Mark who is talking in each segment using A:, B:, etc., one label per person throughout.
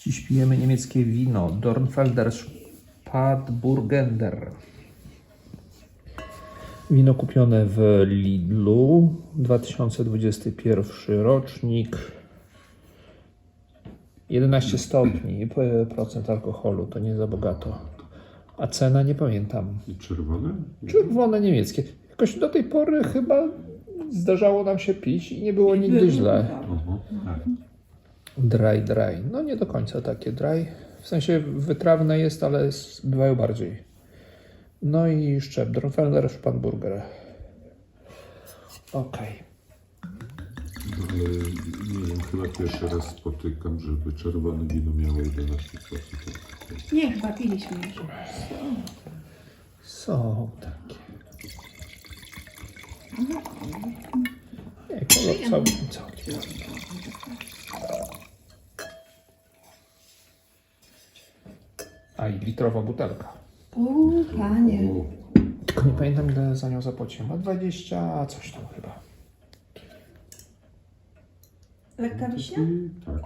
A: Dziś pijemy niemieckie wino Dornfelder Spätburgunder. Wino kupione w Lidlu, 2021 rocznik, 11 stopni, procent alkoholu, to nie za bogato. A cena nie pamiętam.
B: I czerwone?
A: Czerwone niemieckie. Jakoś do tej pory chyba zdarzało nam się pić i nie było nigdy źle.
B: Aha, tak.
A: Dry. No nie do końca takie dry. W sensie wytrawne jest, ale bywają bardziej. No i szczep. Dornfelder Spätburgunder. Okej.
B: Ale nie wiem, chyba pierwszy raz spotykam, żeby czerwone wino miało 11%.
C: Nie, chyba piliśmy już.
A: Są takie. Nie, kolor całkiem. A i litrowa butelka.
C: Panie.
A: Tylko nie pamiętam, ile za nią zapłaciłem. A 20 coś tam chyba.
C: Lekka wiśnia?
B: Tak.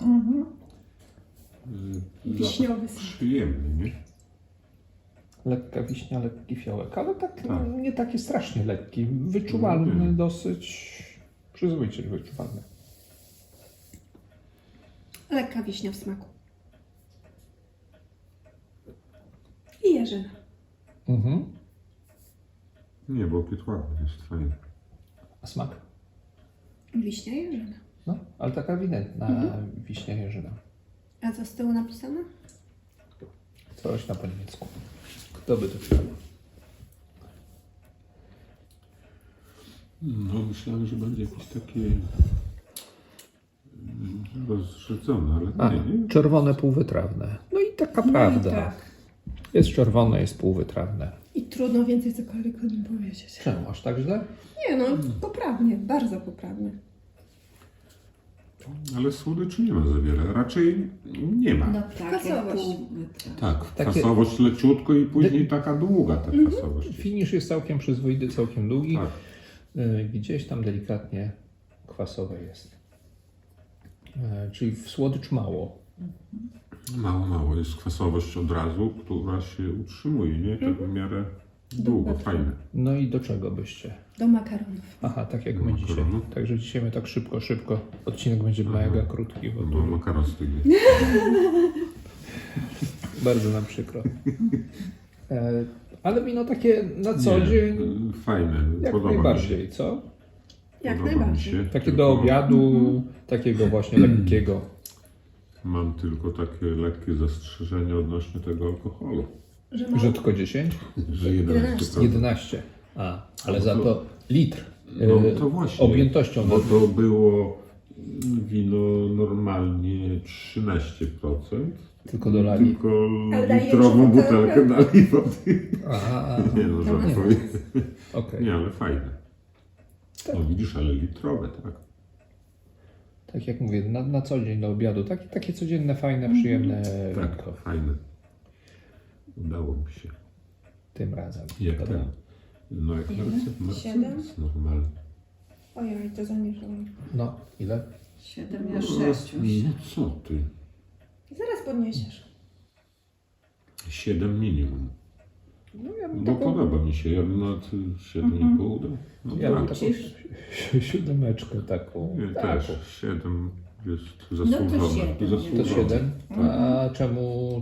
C: Wiśniowy sok.
B: Przyjemny, nie?
A: Lekka wiśnia, lekki fiołek, ale tak,
B: Tak.
A: nie taki strasznie lekki. Wyczuwalny dosyć. Przyzwoicie wyczuwalny.
C: Lekka wiśnia w smaku. I jeżyna.
A: Mhm.
B: Nie, bo piet ładny jest, fajny.
A: A smak?
C: Wiśnia i jeżyna.
A: No, ale taka ewidentna wiśnia jeżyna.
C: A co z tyłu napisane?
A: Coś na po niemiecku. Kto by to chciał?
B: No, myślałem, że będzie jakieś takie rozrzedzone, ale nie.
A: Czerwone półwytrawne. No i taka prawda.
C: tak.
A: Jest czerwone, jest półwytrawne.
C: I trudno więcej cokolwiek o nim powiedzieć.
A: Czemu aż tak źle?
C: Nie no, poprawnie, bardzo poprawnie.
B: Ale słodyczy nie ma za wiele. Raczej nie ma.
D: No
C: Kwasowość.
B: Tak,
A: Takie-
B: kwasowość leciutko i później taka długa ta kwasowość.
A: Finisz jest całkiem przyzwoity, całkiem długi.
B: Tak.
A: Gdzieś tam delikatnie kwasowe jest. Czyli w słodycz mało.
B: Mało jest kwasowość od razu, która się utrzymuje, nie? Tak w miarę długo, fajne.
A: No i do czego byście?
C: Do makaronów.
A: Aha, tak jak
B: Do
A: my dzisiaj.
B: makaronu.
A: Także dzisiaj my tak szybko. Odcinek będzie mega krótki, bo
B: Bo makaron stygnie.
A: bardzo nam przykro. Ale wino takie na co
B: Nie,
A: dzień
B: fajne,
A: jak
B: podoba mi się.
A: najbardziej, co?
C: Jak
B: Podoba mi
C: najbardziej.
B: się.
A: Takie
B: Tylko
A: do obiadu, takiego właśnie lekkiego.
B: Mam tylko takie lekkie zastrzeżenie odnośnie tego alkoholu.
C: Że mało.
A: Że tylko 10?
B: Że 11%.
A: 11. Ale za to litr.
B: No to właśnie.
A: Objętością.
B: Bo to było wino normalnie 13%.
A: Tylko dolali.
B: Tylko
C: Ale daje
B: litrową
C: jeszcze
B: butelkę dali wody.
A: Aha,
B: Nie no, żartuję.
A: okej.
B: Nie, ale fajne. No widzisz, ale litrowe, tak.
A: Tak jak mówię, na co dzień do obiadu. Takie codzienne, fajne, przyjemne
B: Tak,
A: winko
B: fajne. Udało mi się.
A: tym razem.
B: Jak
A: Dobra.
B: ten? No jak Mercedes
C: 7?
B: normalny.
C: Ojoj, to zamieszałam.
A: No, ile?
D: 7, ja 6 już.
B: No co ty?
C: Zaraz podniesiesz.
B: 7 minimum.
A: No ja bym
B: Bo
A: taką,
B: podoba mi się. Ja bym nawet 7,5 dał. No
A: ja bym
B: tak.
A: taką siódemeczkę taką.
B: Nie,
A: taką.
B: też 7 jest
D: to
B: zasłużone.
D: 7.
A: To 7. A czemu,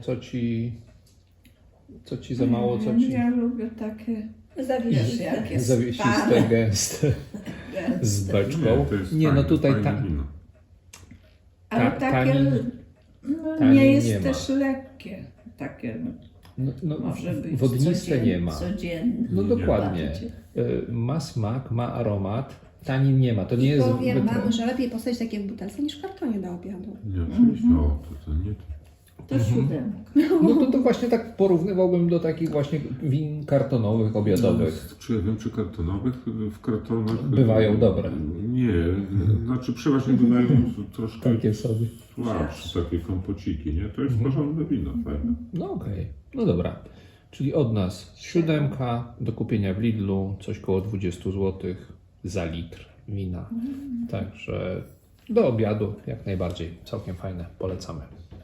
A: co ci za mało, co ci
D: Ja lubię takie, wiesz,
C: Zawiesisz.
D: jakie
A: zawiesiste,
D: stare,
A: gęste, z beczką?
B: to jest
A: Nie, no
B: fajne,
A: tutaj
B: fajne wino.
D: ale
A: Ta-
D: takie
A: tanin-
D: no,
A: tanin
D: nie jest
A: nie ma.
D: też lekkie. Takie
A: no,
D: może być
A: wodniste nie ma.
D: Codzienne.
A: No dokładnie.
D: Bardziej.
A: Ma smak, ma aromat, tanin nie ma. To nie jest
C: Powiem
A: wytrawne.
C: wam, że lepiej postawić takie w butelce niż w kartonie do obiadu.
B: Nie, oczywiście. O, to nie.
D: To 7.
A: No to właśnie tak porównywałbym do takich właśnie win kartonowych, obiadowych.
B: Czy ja wiem, czy kartonowych? W kartonach
A: Bywają dobre.
B: Nie, znaczy przeważnie bywają troszkę
A: Takie sobie.
B: słabsze, takie kompociki, nie? To jest porządne wino, fajne.
A: No okej, no dobra. Czyli od nas 7 do kupienia w Lidlu, coś koło 20 zł za litr wina. Także do obiadu jak najbardziej, całkiem fajne, polecamy.